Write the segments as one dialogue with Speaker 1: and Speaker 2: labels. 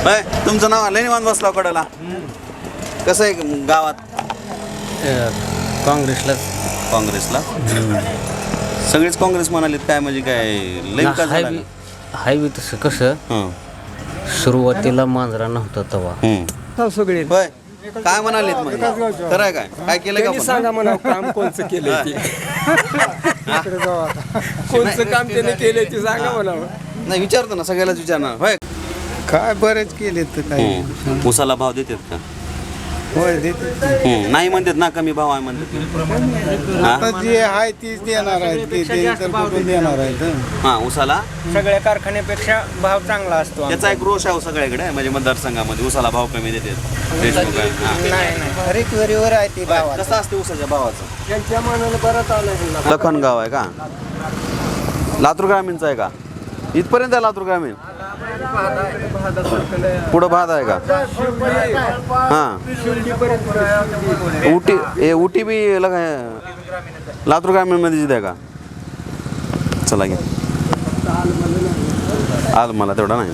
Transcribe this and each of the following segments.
Speaker 1: होय तुमचं नाव आलं निवांत बसला कडाला कसं आहे गावात काँग्रेसला सगळेच काँग्रेस म्हणालेत काय म्हणजे काय लई का झालं
Speaker 2: हायवे तसं कसं सुरुवातीला मांजरा नव्हता तवा
Speaker 3: सगळे
Speaker 1: होय काय म्हणालेत मग खरं आहे काय केलं का
Speaker 3: सांगा म्हणा काम कोणचं केलंय ते कोणचं काम त्याने केलंय ते सांगा म्हणा
Speaker 1: नाही विचारतो ना सगळ्यालाच विचारणार होय
Speaker 4: काय बरेच केले तर काही
Speaker 1: उसाला भाव देतात का
Speaker 4: होय देते
Speaker 1: नाही म्हणतात ना कमी भाव आहे म्हणतात
Speaker 4: आता जे आहे तीच देणार आहे ते तर कुठून देणार आहेत
Speaker 1: हा उसाला
Speaker 3: सगळ्या कारखान्यापेक्षा भाव चांगला असतो
Speaker 1: त्याचा एक रोष आहे सगळ्याकडे म्हणजे मतदारसंघामध्ये उसाला भाव कमी देतात देशमुख आहे. हा.
Speaker 3: रिकव्हरीवर आहे ते भाव
Speaker 1: कसं असते उसाच्या भावाचं
Speaker 3: त्यांच्या मनाला बरंच आलं
Speaker 1: लखनगाव आहे का लातूर ग्रामीणचा आहे का इथपर्यंत आहे लातूर ग्रामीण पुढं भात आहे का हां उटी बी लातूर ग्रामीणमध्ये आहे का चला घ्या आज मला तेवढा नाही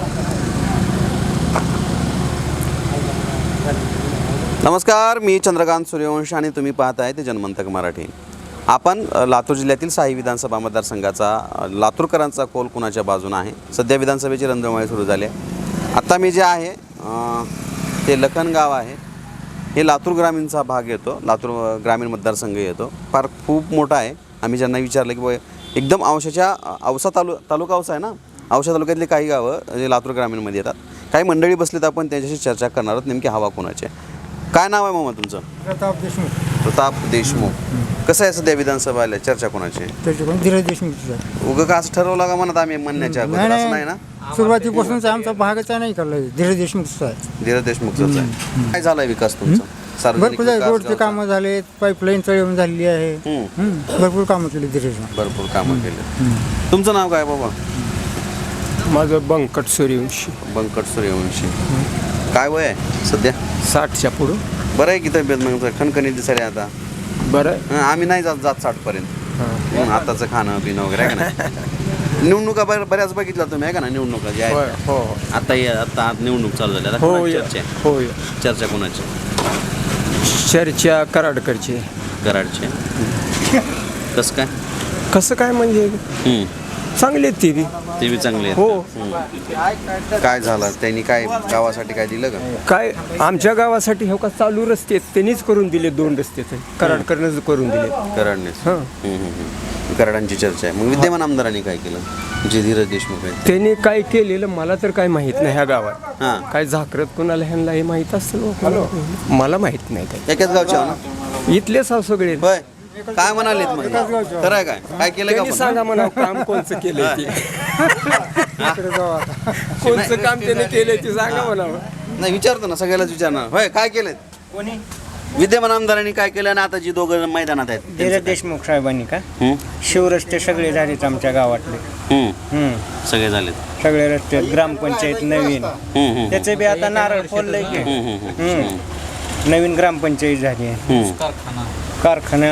Speaker 1: नमस्कार मी चंद्रकांत सूर्यवंशी आणि तुम्ही पाहताय ते जनमंतक मराठी आपण लातूर जिल्ह्यातील साई विधानसभा मतदारसंघाचा लातूरकरांचा कौल कुणाच्या बाजूने आहे सध्या विधानसभेची रणधुमाळी सुरू झाली आहे आत्ता मी जे आहे ते लखनगाव आहे हे लातूर ग्रामीणचा भाग येतो लातूर ग्रामीण मतदारसंघ येतो फार खूप मोठा आहे आम्ही ज्यांना विचारलं की एकदम औसा तालुका औसा आहे ना औसा तालुक्यातली काही गावं जे लातूर ग्रामीणमध्ये येतात काही मंडळी बसलीत आपण त्यांच्याशी चर्चा करणार आहोत नेमकी हवा कोणाची काय नाव आहे मामा तुमचं प्रताप देशमुख कसं आहे सध्या विधानसभा आल्या चर्चा कोणाची
Speaker 4: धीरज देशमुख
Speaker 1: उगं का असं ठरवलं का म्हणत आम्ही म्हणण्याच्या अगोदर असं नाही ना
Speaker 4: सुरुवातीपासूनच आमचा भागच नाही करलाय धीरज देशमुखचा आहे
Speaker 1: धीरज देशमुखच आहे काय झालाय विकास तुमचा
Speaker 4: भरपूर रोडचे कामं झाले पाईपलाईन चळवून झालेली आहे भरपूर कामं केली धीरज
Speaker 1: भरपूर कामं केले तुमचं नाव काय बाबा
Speaker 3: माझं बंकट सूर्यवंशी
Speaker 1: बंकट सूर्यवंशी काय वय आहे सध्या
Speaker 3: 60च्या पुढं
Speaker 1: बरं आहे की तब्येत मग खणखणीत दिसायला आता
Speaker 3: बरं
Speaker 1: आम्ही नाही जात 60 पर्यंत आताचं खाणं पिणं वगैरे आहे का नाही निवडणुका बऱ्याच बघितल्या तुम्ही आहे का ना निवडणुका जे आहे
Speaker 3: हो
Speaker 1: आता निवडणूक चालू झाली आता
Speaker 3: हो
Speaker 1: कोणाची चर्चा आहे?
Speaker 3: होय
Speaker 1: चर्चा कोणाची
Speaker 3: चर्चा कराडकडची
Speaker 1: कराडची कसं
Speaker 3: कसं काय म्हणजे चांगले आहेत ते बी
Speaker 1: ते बी चांगले आहेत.
Speaker 3: हो
Speaker 1: काय झालं त्यांनी काय गावासाठी काय दिलं का
Speaker 3: काय आमच्या गावासाठी हो का चालू रस्ते आहेत त्यांनीच करून दिले 2 रस्ते कराडकडनं करून दिले
Speaker 1: कराडनेच कराडांची चर्चा आहे मग विद्यमान आमदारांनी काय केलं जे धीरज देशमुख आहे
Speaker 3: त्यांनी काय केलेलं मला तर काय माहित नाही ह्या गावात
Speaker 1: हां
Speaker 3: काय झाकरत कोणाला ह्यांना हे माहित असतं मला माहित नाही काय
Speaker 1: एकाच गावचे आहो ना
Speaker 3: इथलेच आहो सगळे
Speaker 1: होय काय म्हणालेत मग खरं आहे काय केलं का
Speaker 3: त्यांनी सांगा म्हणा काम कोणचं केलंय ते कोणचं काम त्याने केलंय ते सांगा म्हणा
Speaker 1: नाही विचारतो ना सगळ्यालाच विचारणार होय काय केलं
Speaker 3: कोणी
Speaker 1: विद्यमान आमदारांनी काय केलं आणि आता जी दोघं मैदानात आहेत
Speaker 5: धीरज देशमुख साहेबांनी का शिवरस्ते सगळे झालेत आमच्या गावातले
Speaker 1: सगळे झालेत
Speaker 5: सगळे रस्ते ग्रामपंचायत नवीन त्याचे बी आता नारळ फोडलंय की नवीन ग्रामपंचायत झाली आहे कारखाना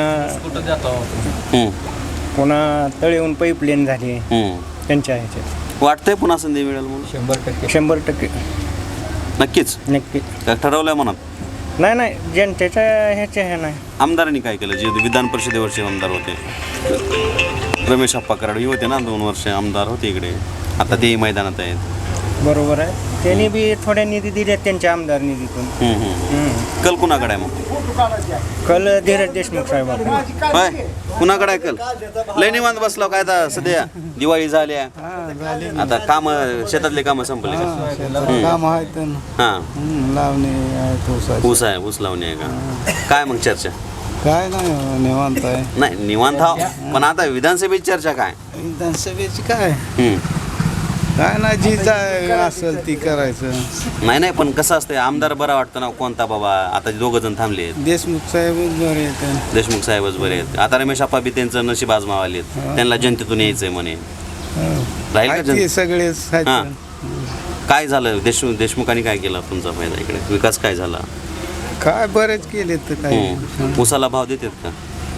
Speaker 5: पुन्हा तळेहून पाईपलाईन झाली त्यांच्या ह्याच्यात
Speaker 1: वाटतंय पुन्हा संधी मिळेल म्हणून
Speaker 5: 100%
Speaker 1: नक्कीच
Speaker 5: नक्की
Speaker 1: काय ठरवलंय म्हणत
Speaker 5: नाही जनतेच्या ह्याच्या हे नाही
Speaker 1: आमदारांनी काय केलं जे विधान परिषदेवरचे आमदार होते रमेश अप्पा कराड होते ना 2 वर्ष आमदार होते इकडे आता तेही मैदानात आहेत
Speaker 5: बरोबर आहे त्यांनी बी थोड्या निधी दिल्या त्यांच्या आमदार निधीतून
Speaker 1: कल कुणाकडे आहे मग
Speaker 5: कल धीरज देशमुख साहेब
Speaker 1: होय कुणाकडे आहे कल लय निवांत बसलो काय आता सध्या दिवाळी झाल्या आता काम शेतातले कामं संपले
Speaker 4: काम आहेत
Speaker 1: हां
Speaker 4: लावणे आहेत
Speaker 1: ऊस आहे ऊस लावणी आहे का काय मग चर्चा
Speaker 4: काय नाही निवांत आहे
Speaker 1: नाही निवांत हा पण आता विधानसभेची चर्चा काय
Speaker 4: विधानसभेची काय काय ना जी असेल ती करायचं
Speaker 1: नाही पण कसं असतं आमदार बरा वाटतं ना कोणता बाबा आता 2 जण थांबले आहेत
Speaker 4: देशमुख साहेबच बरे आहेत
Speaker 1: देशमुख साहेबच बरे आहेत आता रमेश अप्पा बी त्यांचं नशीब आजमावाले आहेत त्यांना जनतेतून यायचंय म्हणे राहील का
Speaker 4: ते
Speaker 1: जनता?
Speaker 4: सगळेच
Speaker 1: हां काय झालं देशमुखांनी काय केलं तुमचा फायदा इकडे विकास काय झाला
Speaker 4: काय बरेच केले तर काही
Speaker 1: उसाला भाव देतात का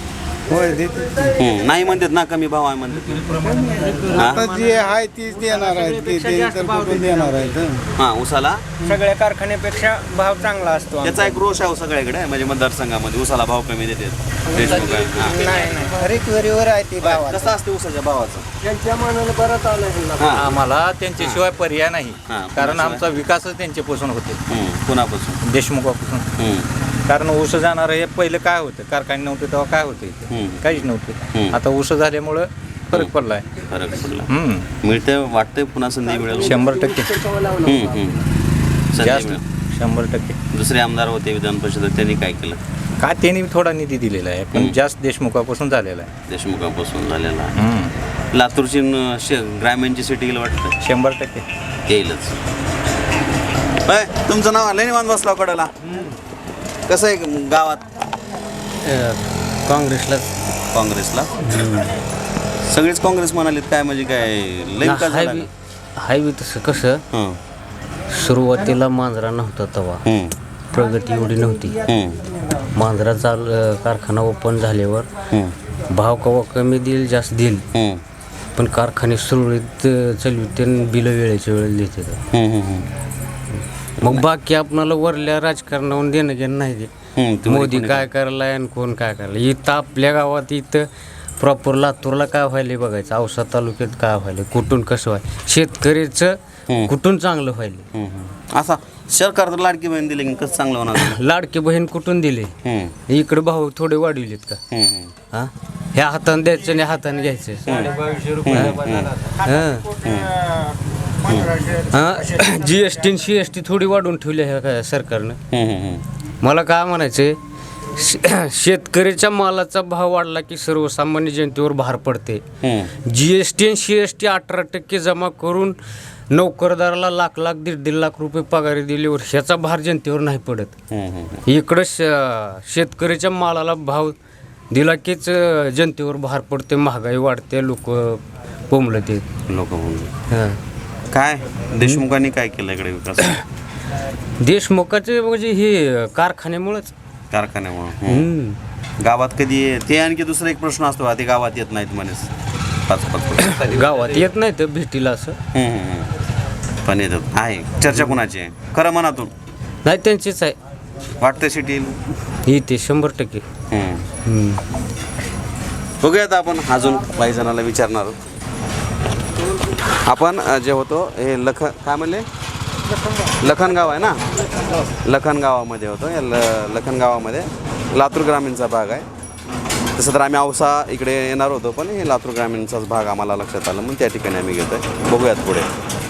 Speaker 4: होय देते
Speaker 1: नाही म्हणतात ना, कमी भाव आहे म्हणतात.
Speaker 4: आता जे आहे तीच देणार आहेत ते तर कुठून देणार आहेत
Speaker 1: हां, उसाला
Speaker 5: सगळ्या कारखान्यापेक्षा भाव चांगला असतो
Speaker 1: त्याचा एक रोष आहे सगळ्याकडे, म्हणजे मतदारसंघामध्ये उसाला भाव कमी देतात देशमुख आहे. हां.
Speaker 5: नाही खरेदीवर आहे ती भाव
Speaker 1: कसं असते उसाच्या भावाचं?
Speaker 3: त्यांच्या मनाला बरंच आलं.
Speaker 6: आम्हाला त्यांच्याशिवाय पर्याय नाही,
Speaker 1: हां,
Speaker 6: कारण
Speaker 1: कुणाशिवाय?
Speaker 6: आमचा विकासच त्यांच्यापासून होते,
Speaker 1: कुणापासून?
Speaker 6: देशमुखापासून. कारण ऊस जाणार हे पहिलं काय होतं, कारखाने नव्हते तेव्हा काय होतं इथे,
Speaker 1: हम्म.
Speaker 6: काहीच नव्हतं. आता ऊस झाल्यामुळं फरक पडलाय.
Speaker 1: फरक पडला. मिळते वाटतंय पुन्हा संधी मिळेल.
Speaker 6: 100%
Speaker 1: संधी
Speaker 6: जास्त
Speaker 1: मिळेल.
Speaker 6: 100%.
Speaker 1: दुसरे आमदार होते विधान परिषदेत, त्यांनी काय केलं?
Speaker 6: काय त्यांनी थोडा निधी दिलेला आहे, पण जास्त देशमुखापासून झालेला आहे.
Speaker 1: देशमुखापासून झालेला आहे. लातूरची ग्रामीणची सिटी गेलं वाटतं
Speaker 6: 100%.
Speaker 1: येईलच. होय, तुमचं नाव आलं निवांत बसला कडाला. कसं आहे गावात?
Speaker 2: काँग्रेसला
Speaker 1: काँग्रेसला सगळेच काँग्रेस म्हणालेत काय, म्हणजे काय लई का झाला?
Speaker 2: हायवे तसं कसं
Speaker 1: हं,
Speaker 2: सुरुवातीला मांजरा नव्हता तेव्हा
Speaker 1: हं,
Speaker 2: प्रगती एवढी नव्हती.
Speaker 1: हं,
Speaker 2: मांजरा कारखाना ओपन झाल्यावर
Speaker 1: हं,
Speaker 2: भाव कवा कमी देईल जास्त देईल,
Speaker 1: हं,
Speaker 2: पण कारखाने सुरळीत चालविते बिलं वेळेच्या वेळेला देते.
Speaker 1: हं, हं,
Speaker 2: मग बाकी आपणाला वरल्या राजकारणावरून देणं घेणं नाही ते.
Speaker 1: हं. तुम्ही
Speaker 2: मोदी
Speaker 1: कोणी
Speaker 2: काय करायला आणि कोण काय करायला. इथं आपल्या गावात इथं प्रॉपर लातूरला काय व्हायला बघायचं, औसा तालुक्यात काय व्हायला, कुठून कसं व्हायला, शेतकऱ्याचं कुठून चांगलं व्हायला.
Speaker 1: हं, हं. असा सरकार तर लाडकी बहीण दिली की कसं चांगलं होणार?
Speaker 2: लाडके बहीण कुठून दिले,
Speaker 1: हं,
Speaker 2: इकडे भाऊ थोडे वाढविलेत का?
Speaker 1: हं, हं.
Speaker 2: हा, ह्या हाताने द्यायचं आणि हाताने घ्यायचं. GST आणि CST थोडी वाढवून ठेवली आहे का सरकारनं?
Speaker 1: हं, हं, हं.
Speaker 2: मला काय म्हणायचं, शेतकऱ्याच्या मालाचा भाव वाढला की सर्वसामान्य जनतेवर भार पडते.
Speaker 1: हं.
Speaker 2: GST आणि CST 18% जमा करून नोकरदाराला लाख 1.5 लाख रुपये पगारी दिल्यावर ह्याचा भार जनतेवर नाही पडत.
Speaker 1: हं, हं.
Speaker 2: इकडं शेतकऱ्याच्या मालाला भाव दिला कीच जनतेवर भार पडते, महागाई वाढते, लोक पोंबलते.
Speaker 1: लोक म्हणून
Speaker 2: हां,
Speaker 1: काय देशमुखांनी काय केलं इकडे विकास?
Speaker 2: देशमुखाचे म्हणजे हे कारखान्यामुळेच.
Speaker 1: कारखान्यामुळं गावात कधी ते आणखी दुसरा एक प्रश्न असतो, ते गावात येत नाहीत म्हणे 5-5
Speaker 2: गावात येत नाही तर भेटीला असं
Speaker 1: पण येतात. आहे चर्चा कुणाची आहे खरं मनातून?
Speaker 2: नाही, त्यांचीच आहे.
Speaker 1: वाटतं सिटी
Speaker 2: येते 100%.
Speaker 1: बघूयात आपण अजून काही जणाला विचारणार आहोत. आपण जे होतो हे काय म्हणले, लखनगाव आहे ना, लखनगावामध्ये होतो. या लखनगावामध्ये लातूर ग्रामीणचा भाग आहे. तसं तर आम्ही औसा इकडे येणार होतो, पण हे लातूर ग्रामीणचाच भाग आम्हाला लक्षात आलं, म्हणून त्या ठिकाणी आम्ही घेतो आहे. बघूयात पुढे.